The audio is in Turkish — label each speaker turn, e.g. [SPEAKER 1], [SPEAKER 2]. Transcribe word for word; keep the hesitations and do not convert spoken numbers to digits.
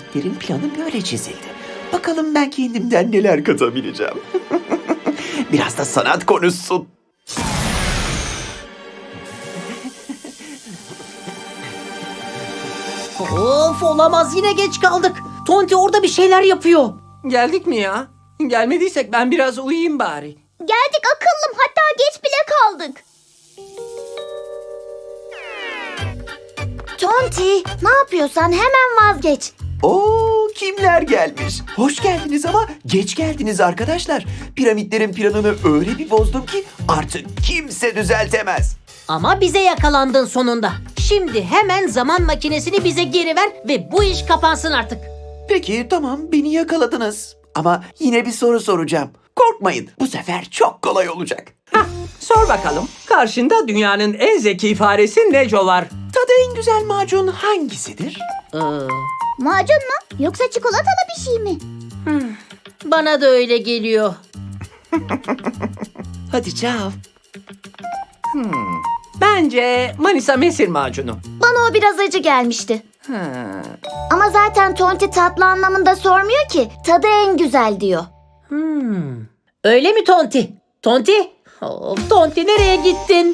[SPEAKER 1] Piramitlerin planı böyle çizildi. Bakalım ben kendimden neler katabileceğim. Biraz da sanat konuşsun.
[SPEAKER 2] Of, olamaz, yine geç kaldık. Tonti orada bir şeyler yapıyor.
[SPEAKER 3] Geldik mi ya? Gelmediysek ben biraz uyuyayım bari.
[SPEAKER 4] Geldik akıllım, hatta geç bile kaldık. Tonti, ne yapıyorsan hemen vazgeç.
[SPEAKER 1] Oo, kimler gelmiş? Hoş geldiniz ama geç geldiniz arkadaşlar. Piramitlerin planını öyle bir bozdum ki artık kimse düzeltemez.
[SPEAKER 2] Ama bize yakalandın sonunda. Şimdi hemen zaman makinesini bize geri ver ve bu iş kapansın artık.
[SPEAKER 1] Peki tamam, beni yakaladınız. Ama yine bir soru soracağım. Korkmayın, bu sefer çok kolay olacak.
[SPEAKER 3] Hah, sor bakalım. Karşında dünyanın en zeki faresi Neco var.
[SPEAKER 1] Tadı en güzel macun hangisidir?
[SPEAKER 2] Ee,
[SPEAKER 4] Macun mu? Yoksa çikolatalı bir şey mi?
[SPEAKER 2] bana da öyle geliyor.
[SPEAKER 1] Hadi cevap.
[SPEAKER 3] Bence Manisa Mesir macunu.
[SPEAKER 4] Bana o biraz acı gelmişti.
[SPEAKER 3] Ha.
[SPEAKER 4] Ama zaten Tonti tatlı anlamında sormuyor ki. Tadı en güzel diyor.
[SPEAKER 2] Hmm. Öyle mi Tonti? Tonti? Of, Tonti nereye gittin?